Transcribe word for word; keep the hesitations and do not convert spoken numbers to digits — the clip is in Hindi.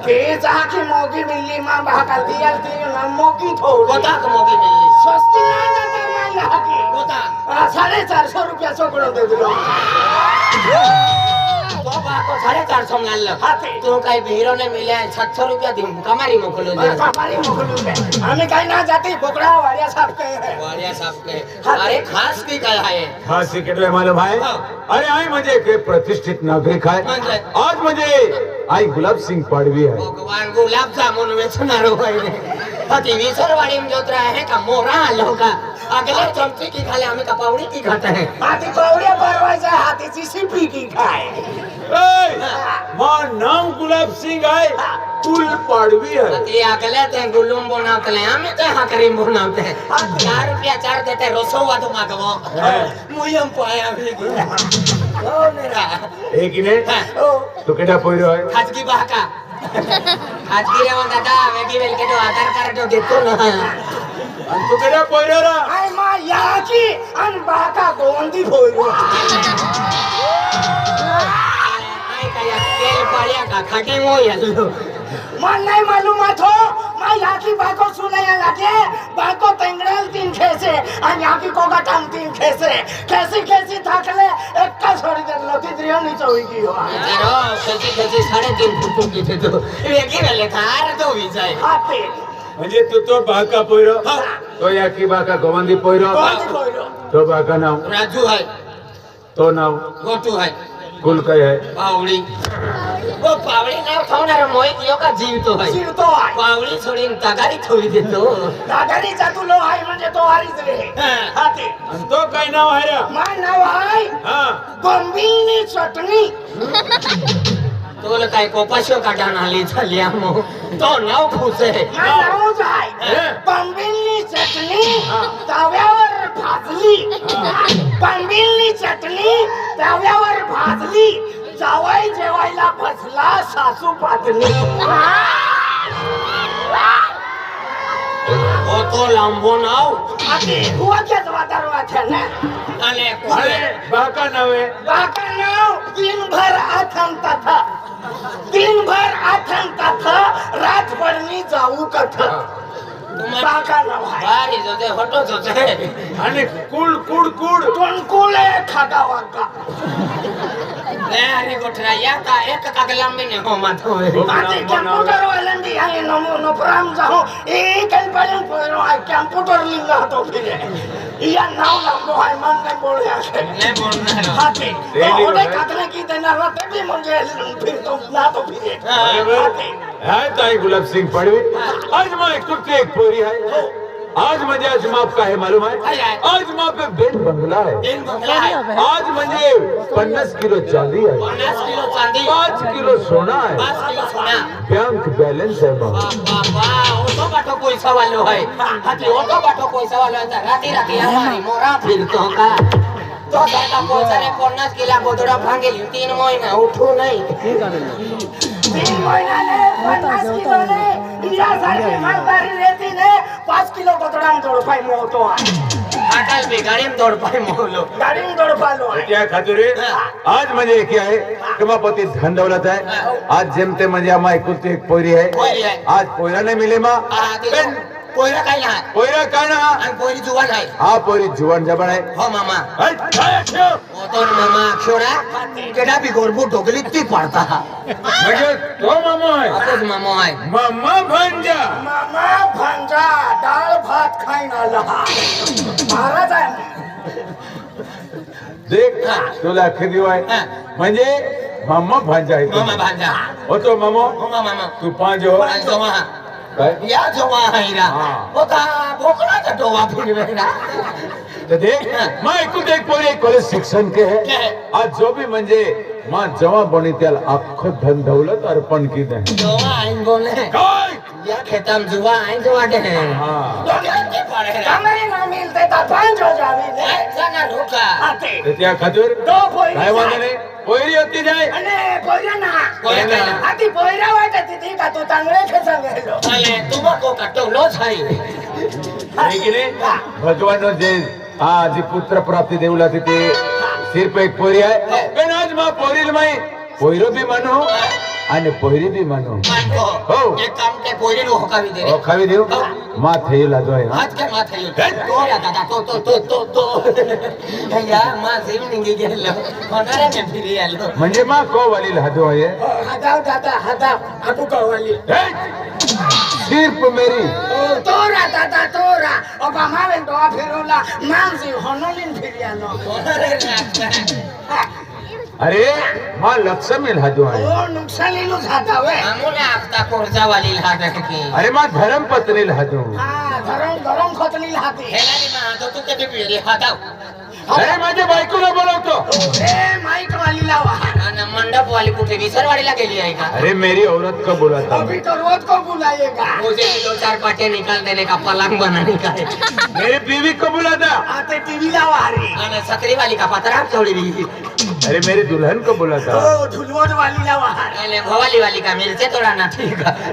ते जाकी मोगी मिली मां भाका दिया ती ना मोगी थोड़ी कोता को मोगी मिली सस्ती ना जाता मां यहाँ की कोता साढ़े चार सौ रुपया सौ दे दिलो तो बाको साढ़े चार सौ मान लो हाथी तू कहीं भीरो ने मिले सात सौ रुपया दी कमारी मोकलो दे कमारी मोकलो दे हमें कहीं ना जाती बोकड़ा वारिया साहब के है वारिया साहब के अरे खास की क्या है खास की कितने मालूम है अरे आई मुझे के प्रतिष्ठित नागरिक है आज मुझे आई गुलाब सिंह पाड़वी है भगवान गुलाब जामुन बेचनारो है हाथी विसर वाड़ी में जोत रहा है का मोरा लोगा अगले चमची की खाले हमें कपाउड़ी की खाता है हाथी कौड़िया परवाई से हाथी चिसिपी की खाए मां नाम गुलाब सिंह है कुल पाड़वी है हाथी अगले ते गुलुम बनाते ले हमें ते हकरीम बनाते हैं चार रुपया चार देते रोसोवा तो मागवो मुयम पाया भी ओ मेरा एक ने तो केडा पोइरो है खाजगी बाका खाजगी रे वो दादा वेगी वेल के तो आधार कार्ड तो देतो ना तो केडा पोइरो रा आई मां यहाँ की अन बाका गोंदी पोइरो आई कया तेल पालिया का खाटी मो यल्लो मन नहीं मालूम हो मैं यहाँ की बाको सुने लगे बाको तेंगड़ल तीन खेसे और यहाँ की कोगा टांग तीन खेसे कैसी कैसी थाकले एक का छोड़ी दे लोटी द्रियो नहीं चोई हो चलो कैसी कैसी साढ़े तीन फुटू की थे तो वेगी वेले थार तो भी जाए हाथी म्हणजे तू तो बाका पोइरो तो या की बाका गोवंदी पोइरो गोंदी पोइरो तो बाका नाम राजू है तो नाम गोटू है कुल काय है पावड़ी वो पावड़ी ना उठावणार मोय कियो का जीव तो है जीव तो है पावड़ी छोड़ीन तगारी थोड़ी दे तो दादारी जातू लो आहे म्हणजे तो हारीच रे हाथी तो काय नाव आहे रे मा नाव आहे हां बंबीनी चटणी तो लो काय कोपाशो काढान आली झाली आमो तो नाव खुसे मा नाव जाय बंबीनी चटणी तव्यावर भाजली बंबीनी चटणी तव्यावर भाजली जावाई जेवायला बसला सासू पातली ओ तो लांबो नाव आती हुआ क्या जवादार वाथे ने अरे अरे बाका नाव है बाका नाव दिन भर आथन तथा दिन भर आथन तथा रात पडनी जाऊ कथा बाका नाव आहे बारी जो ते हटो जो ते आणि कुल कुड कुड टोनकुले खागा वाका ले अरे गोठरा या का एक का लंबे ने हो मत हो आती कंप्यूटर वालंदी आहे नमो नो प्राम जाहो एक कल्पना पोरो आहे कंप्यूटर लिंगा तो फिरे या नाव लंबो आहे मन ने बोले आहे ने बोलना हाथी तो ओडे काटने की देना रते भी मुझे फिर तो ना तो फिरे हाथी है ताई गुलाब सिंह पाड़वी आज मैं एक तो एक पोरी है आज म्हणजे आज माप काय है मालूम है आज माप पे बेन बंगला है दिन बंगला है आज म्हणजे पन्नास किलो चांदी है पन्नास किलो चांदी पाँच किलो सोना है पाँच किलो सोना बैंक बैलेंस है मां बाबा ओटो बाटो पैसा वालो है हाथी ओटो बाटो पैसा वालो है राती राती हमारी मोरा फिरतो का तो दादा पैसा ने पन्नास किलो गोदड़ा भांगेली तीन महीना उठू नहीं तीन महीना ने पन्नास किलो ने इंडिया सारखी मालदारी रहती ने पाँच किलो गोदड़ाम जोड़ पाई मोतो अटल भी गाड़ी में दौड़ पाए मोलो गाड़ी में दौड़ पालो क्या खातिर आज म्हणजे क्या है कमापती धन दौलत है आज जेमते म्हणजे आम्हा एकुलती एक पोरी है आज पोयरा नहीं मिले मां पेन पोयरा काय ना पोयरा काय ना आणि पोरी जुवान आहे हा पोरी जुवान जबान है हो मामा म्हणजे ओ तो मामा छोरा केडा भी गोरबू ढोकली ती पडता तो मामा है आपस मामा आहे मामा भांजा मामा भांजा डाळ भात खाईन आला महाराज आहे देख तुला खरी वाय म्हणजे मामा भांजा है मामा भांजा हो तो मामो हो मामा तू पांच हो पांच जमा काय या जमा आहे रा होता भोकला का टोवा फिरवेरा तो देख मैं एकूण एक पोरी कॉलेज शिक्षण के है आज जो भी म्हणजे मां जवा बनी त्याला आखो धन दौलत अर्पण की दे जमा आइन बोले काय या खेतम जुवा आइन जवा दे हां दोगे पड़े रा हमें ना मिलते तो पांच हो जावे ने जाना ढोका आते ते त्या खातिर दो पोरी काय वांदे नाही पोरी होती जाय अने पोयरा ना पोयरा ना. आती पोयरा वाटत ती का तू चांगले खेसा गेलो अले तुमको कटवलो छाई ठीक है भगवान जे हा जी पुत्र प्राप्ती देऊला ते सिर्फ एक पोरी आहे पण आज मा पोरील माई पोयरो भी मानो અને પોહરી બી માનો मानको हो. एक काम के पोरी लो होकावी दे रे ઓ ખાવી દેવું માં થયું લાદો હે हाथ के माथे यो तो या दादा तो तो तो तो तो यार मां सेविंग गेलो होणारे में फिरी आलो म्हणजे માં કો વાલી લાદો હે हदाव दादा हदाव आपू कवाली હે सिर्फ मेरी तोरा दादा तोरा अब हमारे डोआ फिरोला मानसी होनोलिन फिरियानो होणारे ना अरे मां लक्ष्मी लादो हે ओ नुकसानीलू जाता वे आमुने आपता कोरजा वाली लाड की अरे मां धर्म पत्नी लादो हां गरम गरम खतली लाती हेलानी मां तो तू कधी पिरे हाताव अरे माझ्या बायकोला बोलवतो ए माइक वाली लावा आणि मंडप वाली कुठे विसरवाडीला गेली आहे का अरे मेरी औरत को बुलाता हूं अभी तो रोज को बुलाएगा मुझे दो चार पाटे निकाल देने का पलंग बनाने का है मेरी बीवी को बुलाता आते टीवी लावा रे आणि सकरी वाली का पत्रा छोड़ी दी अरे मेरी दुल्हन को बुलाता ओ झुलवट वाली लावा आणि भवाली वाली का मिरचे तोडाना ठीक है